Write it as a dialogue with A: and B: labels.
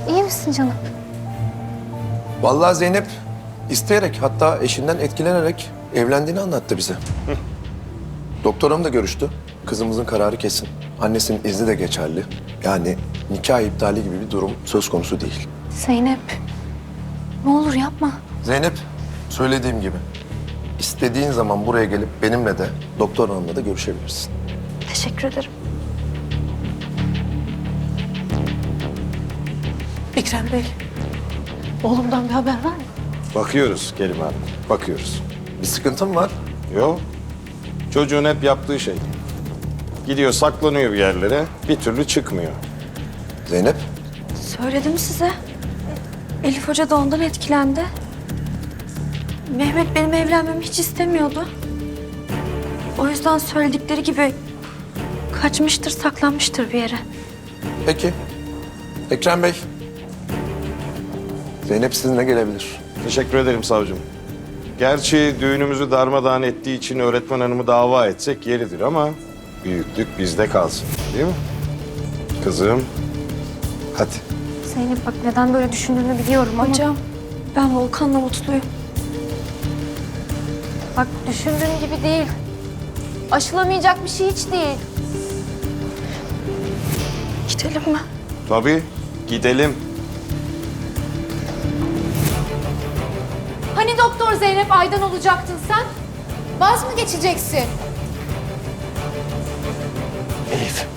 A: İyi misin canım?
B: Vallahi Zeynep isteyerek, hatta eşinden etkilenerek evlendiğini anlattı bize. Doktor hanım da görüştü. Kızımızın kararı kesin. Annesinin izni de geçerli. Yani nikah iptali gibi bir durum söz konusu değil.
A: Zeynep. Ne olur yapma.
B: Zeynep, söylediğim gibi istediğin zaman buraya gelip benimle de doktor hanımla da görüşebilirsin.
A: Teşekkür ederim.
C: Ekrem Bey, oğlumdan bir haber var mı?
D: Bakıyoruz Kerime Hanım, bakıyoruz.
B: Bir sıkıntın var.
D: Yok, çocuğun hep yaptığı şey. Gidiyor saklanıyor bir yerlere, bir türlü çıkmıyor.
B: Zeynep,
A: Söyledim size. Elif Hoca da ondan etkilendi. Mehmet benim evlenmemi hiç istemiyordu. O yüzden söyledikleri gibi kaçmıştır, saklanmıştır bir yere.
B: peki. Ekrem Bey, Zeynep sizinle gelebilir.
D: Teşekkür ederim savcım. Gerçi düğünümüzü darmadağın ettiği için öğretmen hanımı dava etsek yeridir ama büyüklük bizde kalsın, değil mi? Kızım, hadi.
A: Zeynep bak neden böyle düşündüğünü biliyorum ama... Hocam ben Volkan'la mutluyum. Bak düşündüğün gibi değil. Aşılamayacak bir şey hiç değil. Gidelim mi?
D: Tabii, gidelim.
E: Hani Doktor Zeynep Aydan olacaktın sen? Vaz mı geçeceksin?
B: Elif.